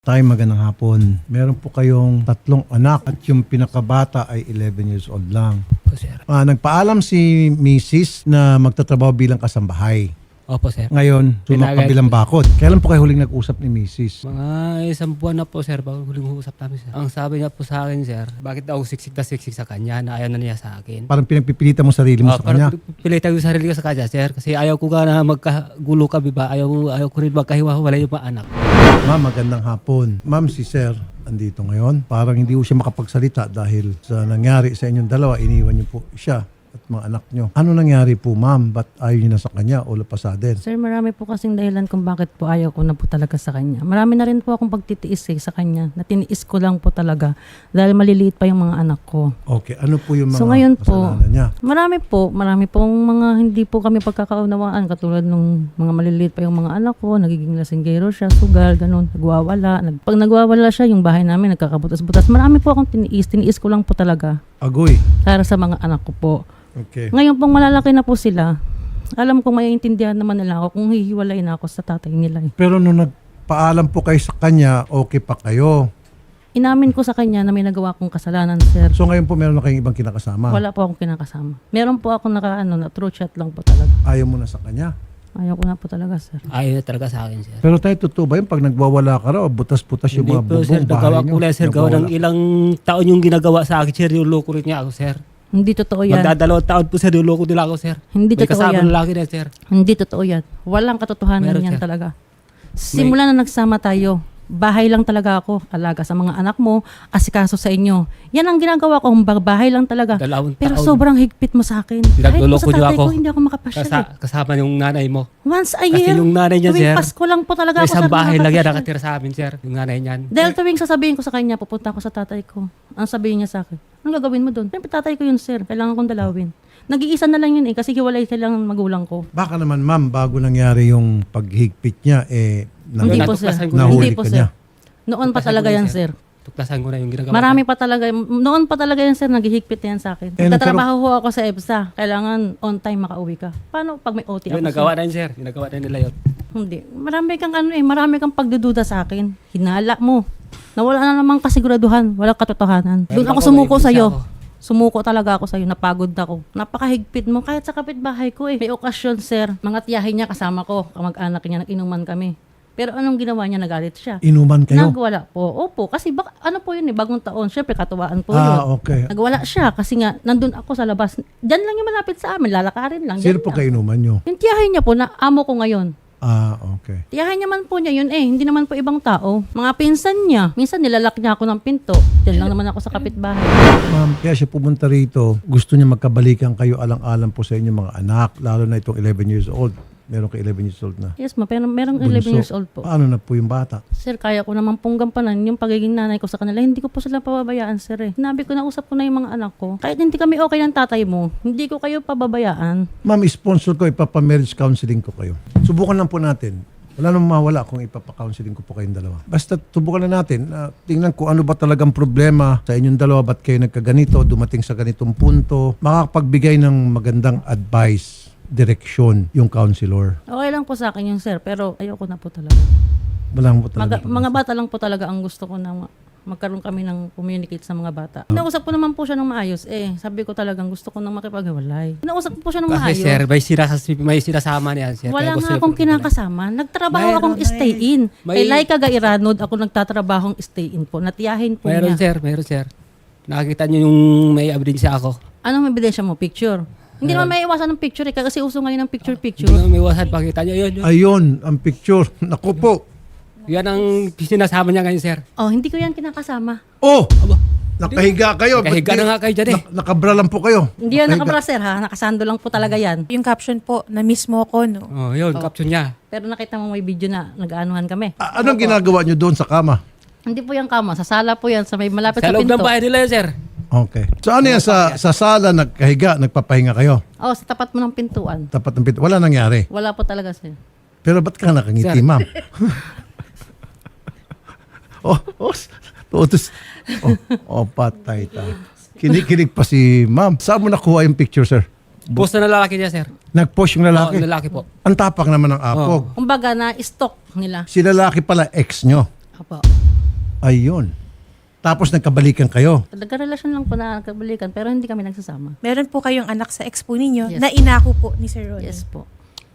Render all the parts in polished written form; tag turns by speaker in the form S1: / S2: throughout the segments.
S1: Tay, magandang hapon. Meron po kayong 3 anak at yung pinakabata ay 11 years old lang.
S2: Opo, sir.
S1: Nagpaalam si Mrs. na magtatrabaho bilang kasambahay.
S2: Opo, sir.
S1: Ngayon, sumakabilang bakod. Kailan po kayo huling nag-usap ni Mrs.?
S2: Mga isang buwan na po, sir, bago huling usap namin, sir. Ang sabi niya po sa akin, sir, bakit daw siksik sa kanya na ayaw na niya sa akin.
S1: Parang pinagpipilitan mo sarili mo sa kanya.
S2: Parang pilitan ko sarili ko sa kanya, sir. Kasi ayaw ko na magkagulo kami ba? Ayaw ko rin magkahiwa-wala yung mga anak.
S1: Ma'am, magandang hapon. Ma'am, si Sir andito ngayon. Parang hindi po siya makapagsalita dahil sa nangyari sa inyong dalawa, iniwan niyo po siya at mga anak niyo. Ano nangyari po, ma'am? Ba't ayaw niyo na sa kanya o lapasaden?
S3: Sir, marami po kasing dahilan kung bakit po ayaw ko na po talaga sa kanya. Marami na rin po akong pagtitiis sa kanya. Natiniis ko lang po talaga dahil maliliit pa yung mga anak ko.
S1: Okay, ano po yung mga
S3: So ngayon po,
S1: kasalanan niya?
S3: marami pong mga hindi po kami pagkakaunawaan katulad nung mga maliliit pa yung mga anak ko, nagiging lasinggero siya, sugal, ganun, nagwawala. Pag nagwawala siya, yung bahay namin nagkakabutas-butas. Marami po akong tiniis ko lang po talaga
S1: Agoy.
S3: para sa mga anak ko po.
S1: Okay.
S3: Ngayon pong malalaki na po sila, alam kong maiintindihan naman nila ako kung hihiwalay na ako sa tatay nila.
S1: Pero nung nagpaalam po kayo sa kanya, okay pa kayo.
S3: Inamin ko sa kanya na may nagawa kong kasalanan, sir.
S1: So ngayon po meron na kayong ibang kinakasama.
S3: Wala po akong kinakasama. Meron po ako na true chat lang po talaga.
S1: Ayaw mo na sa kanya.
S3: Ayaw ko na po talaga, sir.
S2: Ayaw na talaga sa akin, sir.
S1: Pero tayo, totoo ba yun? Pag nagwawala ka raw, butas-butas yung
S2: Hindi
S1: mga
S2: po, sir.
S1: bubong,
S2: Nagawa
S1: bahay
S2: ko
S1: nyo.
S2: lang, sir. Gawa ng ilang taon yung ginagawa sa akin, sir. Yung loko rin niya ako, sir.
S3: Hindi totoo yan.
S2: Magdadalawang taon po, sir. Yung loko nila ako, sir.
S3: Hindi
S2: May
S3: totoo
S2: kasama
S3: yan.
S2: lalaki na, sir.
S3: Hindi totoo yan. Walang katotohanan
S2: Meron,
S3: yan
S2: sir.
S3: talaga. Simula na nagsama tayo, bahay lang talaga ako. Alaga sa mga anak mo, asikaso sa inyo. Yan ang ginagawa ko. Bahay lang talaga.
S2: Dalawang
S3: Pero
S2: taon.
S3: sobrang higpit mo sa akin. Kahit po
S2: Pinagluloko
S3: sa
S2: niyo
S3: tatay
S2: ako.
S3: ko, hindi ako makapasyal.
S2: Kasama yung nanay mo.
S3: Once a
S2: Kasi
S3: year.
S2: yung nanay niya,
S3: tuwing
S2: sir,
S3: Pasko lang po talaga
S2: May
S3: ako,
S2: isang
S3: sir,
S2: bahay lang yan
S3: nakakapasyal.
S2: nakatira sa amin, sir. Yung nanay niyan.
S3: Dahil tuwing sasabihin ko sa kanya, pupunta ako sa tatay ko. Ang sabihin niya sa akin, anong gagawin mo doon? Siyempre tatay ko yun, sir. Kailangan kong dalawin. Nag-iisa na lang yun kasi hiwalay silang magulang ko.
S1: Baka naman, ma'am, bago nangyari yung paghigpit niya,
S3: Hindi po, sir.
S2: natuklasan ko na
S1: nahuli
S3: Hindi po,
S1: ka
S3: sir.
S1: niya.
S3: Noon pa
S2: Tuklasan
S3: talaga
S2: ko na,
S3: yan,
S2: sir.
S3: sir.
S2: Tuklasan ko na yung ginagawa.
S3: Marami pa talaga. Noon pa talaga yan, sir. Naghihigpit yan sa akin. Nagtatrabaho ho ako sa EBSA. Kailangan on time makauwi ka. Paano pag may OT ako?
S2: Yung nagawa na yun, sir. Yung nagawa na nila yun.
S3: Hindi. Marami kang pagdududa sa akin. Hinala mo. Nawala na namang kasiguraduhan. Walang katotohanan. Doon ako sumuko
S2: may
S3: sa'yo.
S2: ibig
S3: Sumuko talaga ako sa'yo. Napagod ako. Napakahigpit mo. Kahit sa kapitbahay ko eh. May okasyon, sir. Mga tiyahin niya kasama ko. Kamag-anak niya. Nag-inuman kami. Pero anong ginawa niya? Nagalit siya.
S1: Inuman kayo?
S3: Nagwala po. Opo. Kasi ano po yun eh. Bagong taon. Siyempre katuwaan po yun.
S1: Okay.
S3: Nagwala siya kasi nga nandun ako sa labas. Diyan lang yung malapit sa amin. Lalakarin lang.
S1: Sino
S3: Diyan
S1: po
S3: lang.
S1: kayo inuman nyo?
S3: Yung tiyahin niya po na amo ko ngayon.
S1: Okay.
S3: Tiyahin niya man po niya yun eh. Hindi naman po ibang tao. Mga pinsan niya. Minsan nilalak niya ako ng pinto. Diyan lang naman ako sa kapitbahay.
S1: Ma'am, kaya siya pumunta rito, gusto niya magkabalikan kayo alang-alang po sa inyong mga anak, lalo na itong 11 years old. Meron ka 11 years old na.
S3: Yes ma, pero merong 11
S1: Bunso.
S3: years old po.
S1: Paano na po yung bata?
S3: Sir, kaya ko naman pong gampanan yung pagiging nanay ko sa kanila. Hindi ko po sila pababayaan, sir eh. Sinabi ko na usap ko na yung mga anak ko. Kahit hindi kami okay ng tatay mo, hindi ko kayo pababayaan.
S1: Ma'am, sponsor ko, ipapa-marriage counseling ko kayo. Subukan lang po natin. Wala namang mawala kung ipapa-counseling ko po kayong dalawa. Basta subukan na natin. Tingnan ko ano ba talagang problema sa inyong dalawa. Ba't kayo nagkaganito, dumating sa ganitong punto. Makakapagbigay ng magandang advice, direksyon yung counselor.
S3: Okay lang po sa akin yung sir, pero ayoko na po talaga.
S1: Walang po talaga.
S3: Mga bata lang po talaga ang gusto ko na magkaroon kami ng communicate sa mga bata. Nausap ko naman po siya ng maayos. Sabi ko talagang gusto ko nang makipaghiwalay. Nausap ko po siya ng
S2: Kasi,
S3: maayos.
S2: sir, may sinasama niyan, sir.
S3: Wala
S2: Kaya gusto
S3: nga
S2: niya
S3: akong
S2: po-
S3: kinakasama. Nagtrabaho
S2: Mayroon
S3: akong
S2: na
S3: stay-in.
S2: May-
S3: Kay Laika Gairanod, ako nagtatrabahong stay-in po. Natiyahin po
S2: Meron,
S3: niya.
S2: sir. Nakakita niyo yung may abdinsya ako.
S3: Anong ebidensya mo? Picture. Hindi naman may iwasan ng picture kasi uso ngayon ng picture-picture.
S2: Hindi naman may wasan, pakita niyo yun.
S1: Ayun, ang picture. Naku po.
S2: Yan ang sinasama niya ngayon, sir.
S3: Oh, hindi ko yan kinakasama.
S1: Oh! Nakahiga kayo.
S2: Nakahiga na nga kayo dyan eh.
S1: Nakabra lang po kayo.
S3: Hindi yan
S1: Nakahiga.
S3: nakabra, sir, ha? Nakasando lang po talaga yan.
S4: Yung caption po, na mismo ko, no?
S2: Oh, yun, caption niya.
S3: Pero nakita mo may video na nag-aanuhan kami.
S1: Anong ginagawa nyo doon sa kama?
S3: Hindi po yung kama. Sa sala po yan. Sa may malapit
S2: Sa
S3: sa
S2: loob
S3: pinto.
S2: ng bahay nila yun, sir.
S1: Okay. So ano yan, sa sala, nagkahiga, nagpapahinga kayo?
S3: Oh, sa tapat mo ng pintuan.
S1: Tapat ng pinto. Wala nangyari.
S3: Wala po talaga, sir.
S1: Pero ba't ka nakangiti,
S2: Sir.
S1: ma'am? Todos. Patay ta. Kinikilig pa si ma'am. Saan mo nakuha yung picture, sir?
S2: Post na lalaki niya, sir.
S1: Nag-post yung lalaki.
S2: Oo, lalaki po.
S1: Ang tapak naman ng apog.
S3: Kumbaga na stock nila.
S1: Si lalaki pala, ex nyo.
S3: Opo.
S1: Ayun. Tapos nagkabalikan kayo.
S3: Nagkarelasyon lang po na kabalikan pero hindi kami nagsasama.
S4: Meron po kayong anak sa ex po ninyo
S3: Yes.
S4: na inako po ni Sir Ronnie.
S3: Yes po.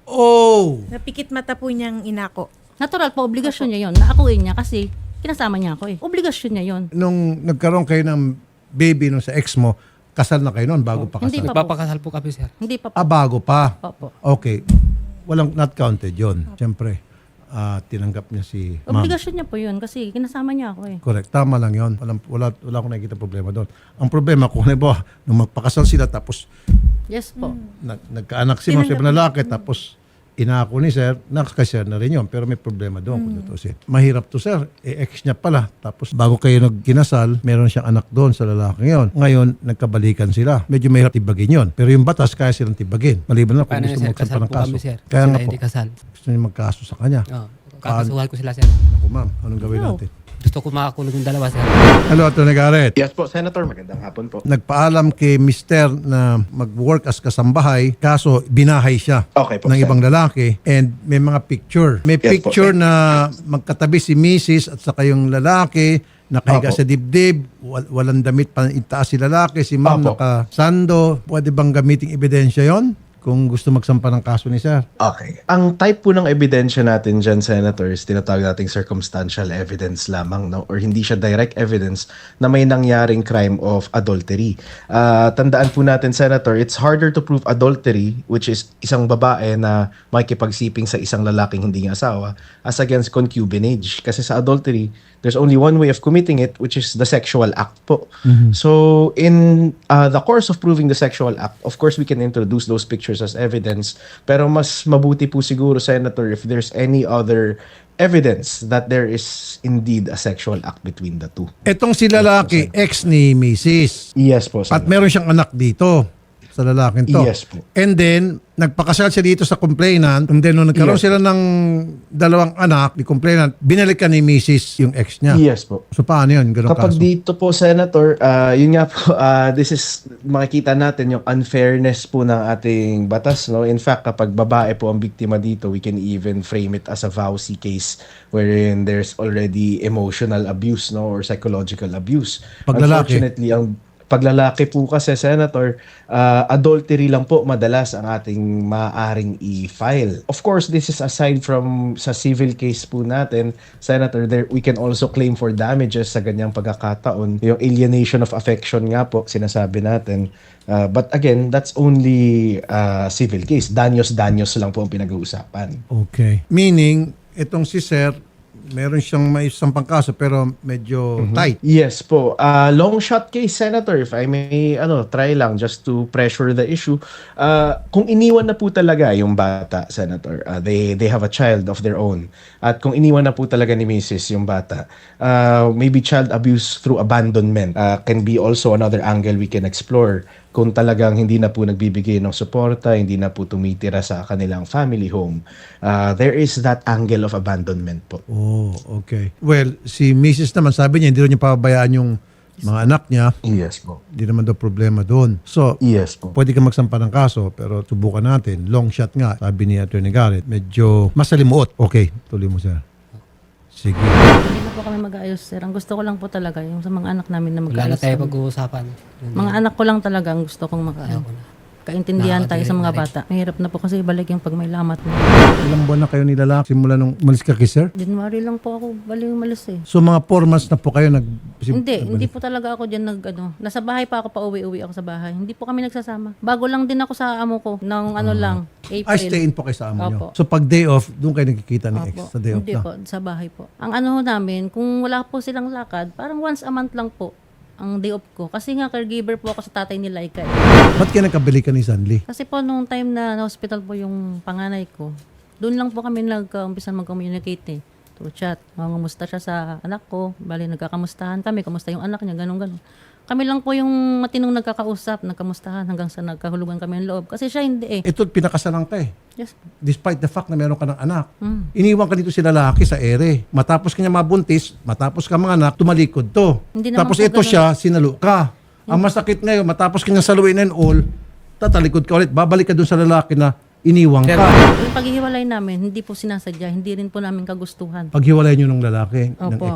S1: Oh!
S4: Napikit mata po niyang inako.
S3: Natural po, obligasyon niya yon. Naakuin niya kasi kinasama niya ako eh. Obligasyon niya yon.
S1: Nung nagkaroon kayo ng baby nung sa ex mo, kasal na kayo noon bago pa
S3: Hindi
S1: kasal?
S3: pa po.
S2: Nagpapakasal po kami, sir.
S3: Hindi pa po.
S1: Bago pa.
S3: Opo.
S1: Okay. Walang not counted yon. Siyempre, tinanggap niya si ma'am.
S3: Obligasyon niya po yun kasi kinasama niya ako eh.
S1: Correct. Tama lang yon. Wala akong nakikita problema doon. Ang problema, kung halimbawa, nung magpakasal sila tapos
S3: Yes po.
S1: nagkaanak si ma'am sa ibang lalaki tapos inako ni sir, nakakasir na rin yun. Pero may problema doon kung tutusin. Mahirap to sir. Ex niya pala. Tapos bago kayo nagkinasal, meron siyang anak doon sa lalaki yon. Ngayon, nagkabalikan sila. Medyo mahirap tibagin yon. Pero yung batas, kaya silang tibagin. Maliban na kung
S2: Paano
S1: gusto
S2: sir?
S1: mo magsampa
S2: Kasal
S1: ng
S2: po
S1: kaso.
S2: kami, sir.
S1: Kaya
S2: Sila
S1: nga po,
S2: hindi kasal.
S1: gusto niyo magkaso sa kanya.
S2: Oo. Kakasuhan ko sila, sir.
S1: Ako ma'am, anong gawin
S3: No.
S1: natin?
S2: Gusto ko makakulong yung dalawa, sir.
S1: Hello, Atty. Garrett.
S5: Yes po, Senator. Magandang hapon po.
S1: Nagpaalam kay Mister na mag-work as kasambahay, kaso binahay siya
S5: Okay po,
S1: ng
S5: sir.
S1: ibang lalaki and may mga picture. May
S5: Yes
S1: picture
S5: po.
S1: na magkatabi si Mrs. at saka yung lalaki, nakahiga
S5: Opo.
S1: sa dibdib, walang damit pa itaas si lalaki, si ma'am
S5: Opo.
S1: nakasando. Pwede bang gamiting ebidensya yon kung gusto magsampa ng kaso ni sir?
S5: Okay. Ang type po ng ebidensya natin dyan, Senator, is tinatawag nating circumstantial evidence lamang, no? Or hindi siya direct evidence na may nangyaring crime of adultery. Tandaan po natin, Senator, it's harder to prove adultery, which is isang babae na makikipagsiping sa isang lalaking hindi niya asawa, as against concubinage. Kasi sa adultery, there's only one way of committing it, which is the sexual act po. So, in the course of proving the sexual act, of course, we can introduce those pictures as evidence. Pero mas mabuti po siguro, Senator, if there's any other evidence that there is indeed a sexual act between the two.
S1: Etong si lalaki, ex ni Mrs.
S5: Yes po,
S1: At
S5: Senator.
S1: meron siyang anak dito sa lalaking to.
S5: Yes po.
S1: And then, nagpakasal siya dito sa complainant. And then, nung nagkaroon
S5: Yes.
S1: sila ng dalawang anak, ni complainant, binalikan ni Mrs. yung ex niya.
S5: Yes po.
S1: So, paano yun? Ganun
S5: Kapag
S1: kaso?
S5: dito po, Senator, yun nga po, this is, makikita natin yung unfairness po ng ating batas. No? In fact, kapag babae po ang biktima dito, we can even frame it as a vowsy case wherein there's already emotional abuse, no, or psychological abuse.
S1: Pag lalaki?
S5: Unfortunately, ang paglalaki po kasi, Senator, adultery lang po madalas ang ating maaaring i-file. Of course, this is aside from sa civil case po natin, Senator, there we can also claim for damages sa ganyang pagkakataon. Yung alienation of affection nga po, sinasabi natin. But again, that's only civil case. Danyos-danyos lang po ang pinag-uusapan.
S1: Okay. Meaning, itong si Sir, meron siyang may sampang kaso pero medyo tight.
S5: Yes po. Long shot case, Senator, if I may try lang just to pressure the issue. Kung iniwan na po talaga yung bata, Senator, they have a child of their own. At kung iniwan na po talaga ni Mrs. yung bata, maybe child abuse through abandonment can be also another angle we can explore. Kung talagang hindi na po nagbibigay ng suporta, hindi na po tumitira sa kanilang family home, there is that angle of abandonment po.
S1: Oh, okay. Well, si Mrs. naman, sabi niya, hindi rin niya pababayaan yung mga anak niya.
S5: Yes po.
S1: Hindi naman daw problema doon. So,
S5: Yes po.
S1: pwede ka magsampa ng kaso, pero subukan natin. Long shot nga, sabi ni Atty. Garrett. Medyo masalimuot. Okay, tuloy mo, sir. Sige.
S3: Hindi na po kami mag-aayos, sir. Ang gusto ko lang po talaga yung sa mga anak namin na
S2: Wala na
S3: mag-aayos.
S2: tayo
S3: kami.
S2: pag-uusapan.
S3: Mga anak ko lang talaga ang gusto kong
S2: Ayaw ko na.
S3: kaintindihan tayo sa mga
S2: Nakakadinig
S3: bata. Mahirap na po kasi ibalik yung pag may lamat na.
S1: Ilang buwan na kayo nilalak simula nung umalis ka kay sir?
S3: January lang po ako bali umalis eh.
S1: So mga 4 months na po kayo
S3: Hindi po talaga ako dyan nasa bahay pa ako, pauwi-uwi ako sa bahay. Hindi po kami nagsasama. Bago lang din ako sa amo ko, ng lang, April.
S1: Ay, stay in po kayo sa amo nyo.
S3: Opo.
S1: So pag day off, doon kayo nagkikita ni ex
S3: Opo.
S1: sa day off
S3: Hindi
S1: na.
S3: po, sa bahay po. Ang ho namin, kung wala po silang lakad, parang once a month lang po ang day off ko. Kasi nga caregiver po ako sa tatay ni Laika eh.
S1: Ba't kayo nagkabalikan ni Sanli?
S3: Kasi po nung time na hospital po yung panganay ko, doon lang po kami nag-umpisa mag-communicate eh. Through chat. Mamumusta siya sa anak ko. Bali, nagkakamustahan kami. Kamusta yung anak niya, ganun-ganun. Kami lang po yung matinong nagkakausap, nagkamustahan hanggang sa nagkahulugan kami ng loob. Kasi siya hindi eh.
S1: Ito, pinakasalan ka eh.
S3: Yes.
S1: Despite the fact na meron ka ng anak. Iniwan ka dito si lalaki sa ere. Matapos kanya mabuntis, matapos ka mga anak, tumalikod to.
S3: Hindi naman
S1: Tapos
S3: po
S1: ito
S3: ganun.
S1: siya, sinalo ka. Ang masakit ngayon, matapos kanya saluin and all, tatalikod ka ulit. Babalik ka dun sa lalaki na iniwang ka.
S3: Yung paghihiwalay namin, hindi po sinasadya, hindi rin po namin kagustuhan.
S1: Paghiwalay nyo ng lalaki, ng
S3: Opo.
S1: ex mo.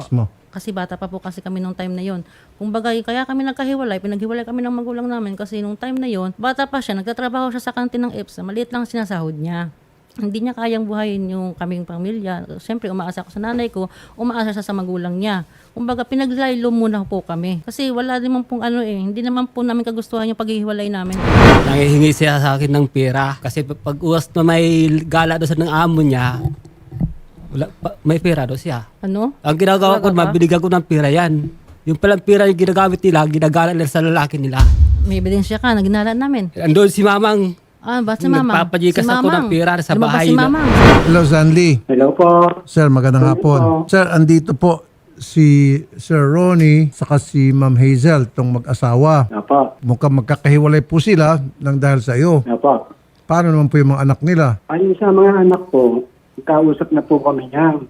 S3: Kasi bata pa po kasi kami nung time na yon. Kumbaga, kaya kami nagkahiwalay, pinaghiwalay kami ng magulang namin kasi nung time na yon, bata pa siya, nagtatrabaho siya sa kantin ng EPSA, maliit lang sinasahod niya. Hindi niya kayang buhayin yung kaming pamilya. Siyempre, umaasa ako sa nanay ko, umaasa siya sa magulang niya. Kumbaga, pinaglaylo muna po kami. Kasi wala naman pong hindi naman po namin kagustuhan yung paghihiwalay namin.
S2: Nangihingi siya sa akin ng pera. Kasi pag uwas na may gala doon sa ng amo niya, may pera doon siya.
S3: Ano?
S2: Ang ginagawa ko,
S3: Talaga ba?
S2: mabinigyan ko ng pera yan. Yung palang pera yung ginagamit nila, ginagala nila sa lalaki nila.
S3: May ebidensya ka, naginala namin.
S2: Andun si Mamang.
S3: Ba't si Mamang?
S2: Nagpapajikas ako ng pera sa
S3: Lumabas
S2: bahay
S3: si
S2: na-
S3: Mamang.
S1: Hello, Zanli.
S6: Hello po.
S1: Sir, magandang hapon. Sir, andito po si Sir Ronnie saka si Ma'am Hazel, tong mag-asawa.
S6: Apo.
S1: Mukhang magkakahiwalay po sila nang dahil sa iyo.
S6: Apo.
S1: Paano naman po yung mga anak nila?
S6: Ayun sa mga anak ko, kausap na po kami niya.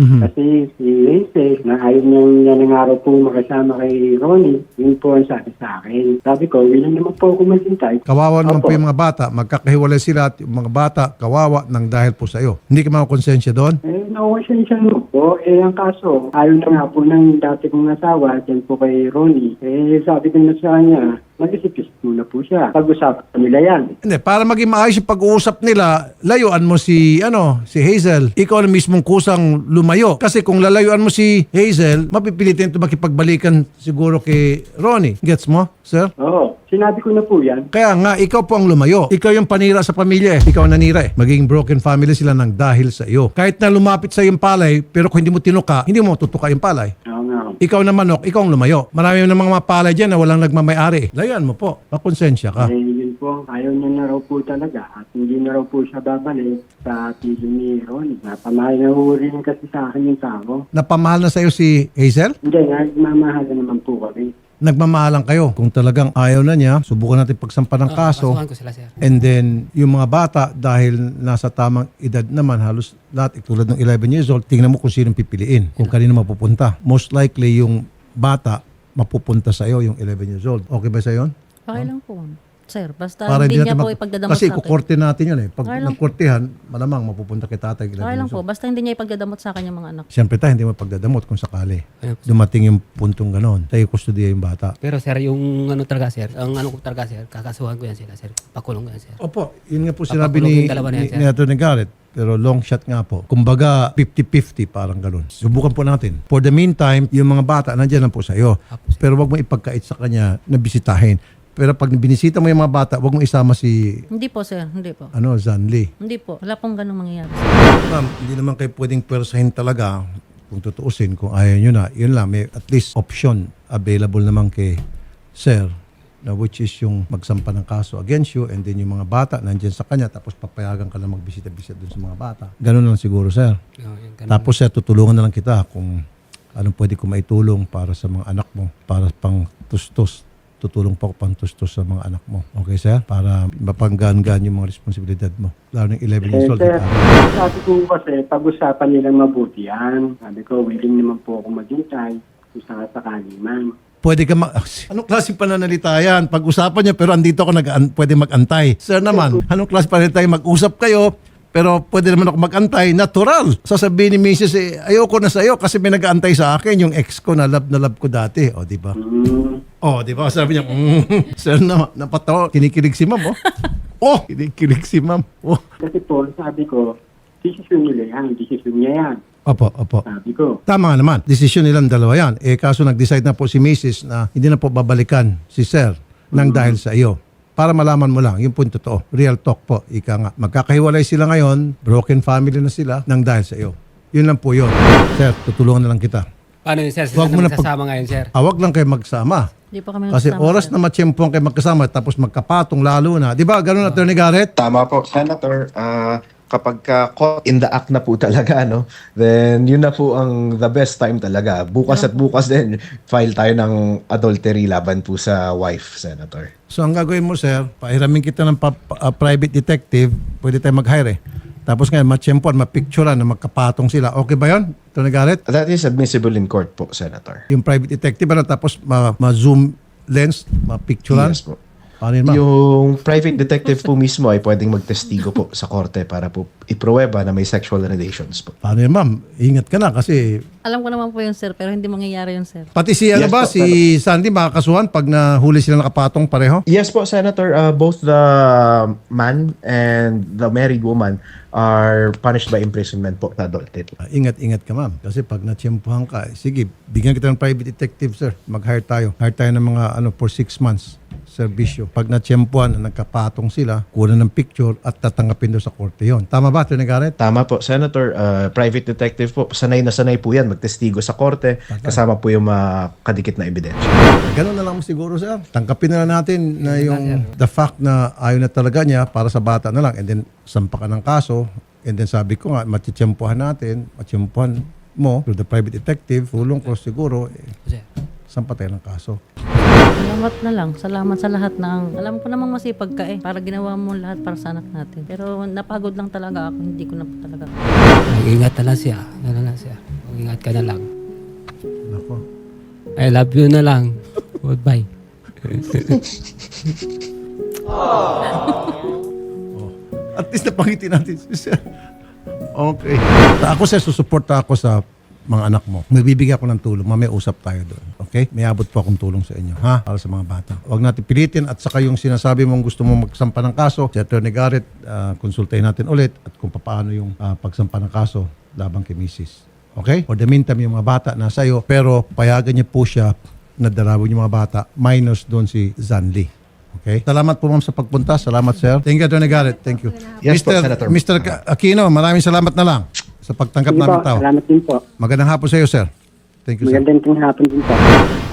S6: Kasi si Hazel, na ayaw niya ng araw po makasama kay Ronnie, yun po ang sabi sa akin. Sabi ko, willing naman po ako maghintay.
S1: Kawawa naman po
S6: Opo.
S1: yung mga bata. Magkakahiwalay sila at yung mga bata kawawa nang dahil po sa iyo. Hindi ka makakonsensya doon?
S6: Nauwasyan siya po. Ang kaso, ayaw na nga po ng dati kong asawa, dyan po kay Ronnie. Sabi ko na sa kanya, mag-isip-isip muna po siya. Pag-usapan nila yan.
S1: Hindi, para maging maayos yung pag-uusap nila, layuan mo si Hazel. Ikaw na mismong kusang lumayo. Kasi kung lalayuan mo si Hazel, mapipilitin ito makipagbalikan siguro kay Ronnie. Gets mo, sir?
S6: Oo. Sinabi ko na po yan.
S1: Kaya nga, ikaw po ang lumayo. Ikaw yung panira sa pamilya eh. Ikaw ang nanira eh. Magiging broken family sila ng dahil sa iyo. Kahit na lumapit sa yung palay, pero kung hindi mo tinuka, hindi mo tutuka yung palay.
S6: Oo nga.
S1: Ikaw na manok, ikaw ang lumayo. Marami ng mga palay dyan na walang nagmamayari. Layuan mo po. Pakonsensya ka.
S6: Yun po, ayaw niya na raw po talaga at hindi na raw po siya babalik sa pili ni Ronnie. Napamahal na ho rin kasi sa akin yung tao.
S1: Napamahal na sa iyo si Hazel?
S6: Hindi, nagmamahal na naman po kami.
S1: Nagmamahalan kayo. Kung talagang ayaw na niya, subukan natin pagsampa ng kaso.
S2: Kasuhan ko sila, sir.
S1: And then, yung mga bata, dahil nasa tamang edad naman, halos lahat, tulad ng 11 years old, tingnan mo kung sinong pipiliin, kung kanino mapupunta. Most likely, yung bata, mapupunta sa iyo, yung 11 years old. Okay ba sa yun?
S3: Okay lang po. Sir, basta
S1: Para
S3: hindi niya
S1: natin
S3: po ipagdadamot
S1: kasi
S3: sa akin.
S1: kukorte natin yun eh. Pag
S3: Okay lang.
S1: nagkortehan, malamang mapupunta kay tatay. 11
S3: Okay lang
S1: years
S3: po.
S1: old.
S3: Basta hindi niya ipagdadamot sa akin yung mga anak.
S1: Siyempre tayo, hindi mo pagdadamot kung sakali.
S2: Ayun.
S1: Dumating yung puntong ganon. Tayo kustudiya yung bata.
S2: Pero sir, yung talaga, sir, ang ko talaga, sir, kakasuhan ko yan sila, sir. Pakulong ko yan, sir.
S1: Opo, yun nga po sinabi ni,
S2: Papakulong yung dalawa na yan, sir.
S1: ni Atty. Garrett. Pero long shot nga po. Kumbaga, 50-50 parang ganun. Subukan po natin. For the meantime, yung mga bata, nandiyan lang po sa iyo.
S2: Apo, sir.
S1: Pero wag mo ipagkait sa kanya na bisitahin. Pero pag binisita mo yung mga bata, wag mo isama si
S3: Hindi po, sir. Hindi po.
S1: Zanli.
S3: Hindi po. Wala pong ganung mangyayari.
S1: Ma'am, hindi naman kayo pwedeng pwersahin talaga kung tutuusin. Kung ayaw nyo na, yun lang. May at least option available naman kay Sir na which is yung magsampa ng kaso against you and then yung mga bata nandyan sa kanya tapos papayagan ka lang magbisita-bisita dun sa mga bata. Ganun lang siguro, sir.
S2: Yan, ganun.
S1: Tapos sir, tutulungan na lang kita kung anong pwede ko maitulong para sa mga anak mo, para pang tustos. Tutulong pa ako pang tustos sa mga anak mo. Okay, sir? Para mapanggaan-gaan yung mga responsibilidad mo. Lalo ng 11 years old.
S6: Sir,
S1: di ba?
S6: sabi ko kasi, pag-usapan nilang mabuti yan. Sabi ko, willing naman po ako maghintay kung sakasakali man.
S1: Pwede ka anong klaseng pananalita yan? Pag-usapan niya pero andito ako pwede mag-antay. Sir naman, anong klaseng pananalita yan? Mag-usap kayo pero pwede naman ako mag-antay. Natural. Sasabihin ni Mrs. Ayoko na sa iyo kasi may nag-aantay sa akin yung ex ko na love ko dati. O, di ba? Di ba? Sabi niya, sir naman, napatawa. Kinikilig si ma'am, kinikilig si ma'am.
S6: Kasi po, sabi ko, desisyon nila yan, desisyon niya yan.
S1: Opo.
S6: Sabi ko,
S1: Tama nga naman. Desisyon nilang dalawa yan. Kaso nag-decide na po si Mrs. na hindi na po babalikan si Sir nang dahil sa iyo. Para malaman mo lang, yung po yung totoo. Real talk po. Ika nga. Magkakahiwalay sila ngayon, broken family na sila nang dahil sa iyo. Yun lang po yun. Sir, tutulungan na lang kita.
S2: Paano yun, sir?
S1: Wag mo na
S2: Sasama ngayon, sir.
S1: Awag lang kayo magsama.
S3: Hindi po kami
S1: Kasi
S3: nagsasama,
S1: oras
S3: sir.
S1: na matsyempohan kayo magkasama tapos magkapatong lalo na. Di ba? Ganun, Atty. Garrett?
S5: Tama po, Senator. Kapag caught in the act na po talaga, no, then yun na po ang the best time talaga. Bukas at bukas din, file tayo ng adultery laban po sa wife, Senator.
S1: So ang gagawin mo, sir, pahiramin kita ng private detective, pwede tayo mag-hire eh. Tapos ngayon, matsyempohan, mapicturean na magkapatong sila. Okay ba yun, Atty. Garrett?
S5: That is admissible in court po, Senator.
S1: Yung private detective, tapos ma-zoom lens, mapicturean.
S5: Yes po.
S1: Paano yun, ma'am?
S5: Yung private detective po mismo ay pwedeng magtestigo po sa korte para po ipruweba na may sexual relations po.
S1: Paano yun, ma'am? Ingat ka na kasi
S3: Alam ko naman po yun, sir, pero hindi mangyayari yun, sir.
S1: pati si
S5: Yes po,
S1: si Sandy makakasuhan pag nahuli sila nakapatong pareho.
S5: Yes po, Senator. Both the man and the married woman are punished by imprisonment po sa adultery.
S1: Ingat-ingat ka, ma'am. Kasi pag natsyempohan ka, sige, bigyan kita ng private detective, sir. Mag-hire tayo. Hire tayo ng mga for 6 months serbisyo. Pag natsyempohan na nagkapatong sila, kunan ng picture at tatanggapin doon sa korte yon. Tama ba, Atty. Garrett?
S5: Tama po, Senator. Private detective po, sanay na sanay po yan. Magtestigo sa korte, kasama po yung mga kadikit na ebidensya.
S1: Ganun na lang siguro, sir. Tangkapin na lang natin na yung the fact na ayaw na talaga niya para sa bata na lang and then sampa ka ng kaso and then sabi ko nga, matitsyempohan natin, matsyempohan mo through the private detective, tulong ko siguro, sampa tayo ng kaso.
S3: Salamat na lang. Salamat sa lahat ng... Alam ko namang masipag ka para ginawa mo lahat para sa anak natin. Pero napagod lang talaga ako. Hindi ko na po talaga.
S2: Mag-ingat na lang siya. Mag-ingat ka na lang.
S1: Nako.
S2: I love you na lang. Goodbye.
S1: At least napangiti natin si sir. Okay. Ako, sir, susuporta ako sa mga anak mo. Magbibigay ako ng tulong. Mamaya usap tayo doon. Okay? May abot po akong tulong sa inyo. Ha? Para sa mga bata. Huwag natin pilitin at saka yung sinasabi mong gusto mong magsampa ng kaso, si Atty. Garrett, konsultahin natin ulit at kung paano yung pagsampa ng kaso labang kay Mrs. Okay? For the meantime, yung mga bata nasa iyo, pero payagan niyo po siya na dalawin yung mga bata minus doon si Zanli. Okay? Salamat po, ma'am, sa pagpunta. Salamat, sir. Thank you, Atty. Garrett. Thank you.
S5: Yes po, Senator.
S1: Mr. Aquino, maraming salamat na lang sa pagtanggap
S6: Sige po,
S1: namin tao.
S6: salamat din po.
S1: Magandang hapon sa iyo, sir. Thank you, sir.
S6: Magandang hapon din po.